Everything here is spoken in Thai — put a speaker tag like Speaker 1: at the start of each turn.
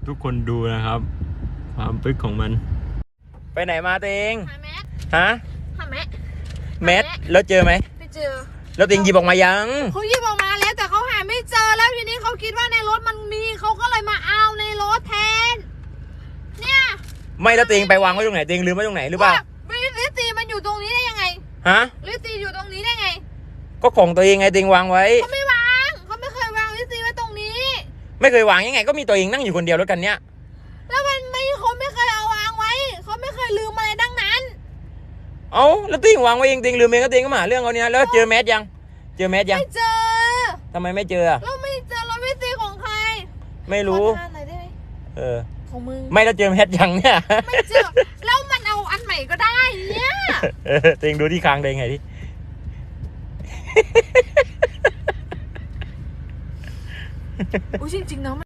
Speaker 1: ทุกคนดูนะครับความปึ๊กของมันไปไหนมาตัวเอง
Speaker 2: หาแมส
Speaker 1: ฮะ
Speaker 2: หาแมส
Speaker 1: แมสแล้วเจอไหม
Speaker 2: ไม่เจอ
Speaker 1: แล้วตัวเองหยิบออกมายัง
Speaker 2: เขาหยิบออกมาแล้วแต่เขาหาไม่เจอแล้วทีนี้เขาคิดว่าในรถมันมีเขาก็เลยมาเอาในรถแทนเนี่ย
Speaker 1: ไม่แล้วตัวเองไปวางไว้ตรงไหนตัวเองลืมไว้ตรงไหนหรือเปล่า
Speaker 2: ลิตีมันอยู่ตรงนี้ได้ยังไง
Speaker 1: ฮะ
Speaker 2: ลิตีอยู่ตรงนี้ได้ไง
Speaker 1: ก็ของตัวเองไงตัวเองวางไว้
Speaker 2: เขาไม่วางเขาไม่เคยวางลิตีไว้ตรงนี้
Speaker 1: ไม่เคยวางยังไงก็มีตัวเองนั่งอยู่คนเดียวรถกันเนี้ย
Speaker 2: แล้วมันไม่เขาไม่เคยเอาวางไว้เขาไม่เคยลืมอะไรดังนั้น
Speaker 1: เอ้าแล้วตัวเองวางไว้เองตัวเองลืมเองก็ตัวเองก็มาเรื่องเขาเนี่ยแล้วเจอแมสยังเจอแมสยัง
Speaker 2: ไม่เจอ
Speaker 1: ทำไมไม่เจอ
Speaker 2: เราไม่เจอเราไม่ตีของใคร
Speaker 1: ไม่รู้
Speaker 2: ของมึง
Speaker 1: ไม่แล้วเจอแมสยังเนี่ย
Speaker 2: ไม่เจอแล้วมันเอาอันใหม่ก็ได้เนี่ย
Speaker 1: ตัวเองดูที่คางตัวเองไงที่
Speaker 2: จริงๆนะ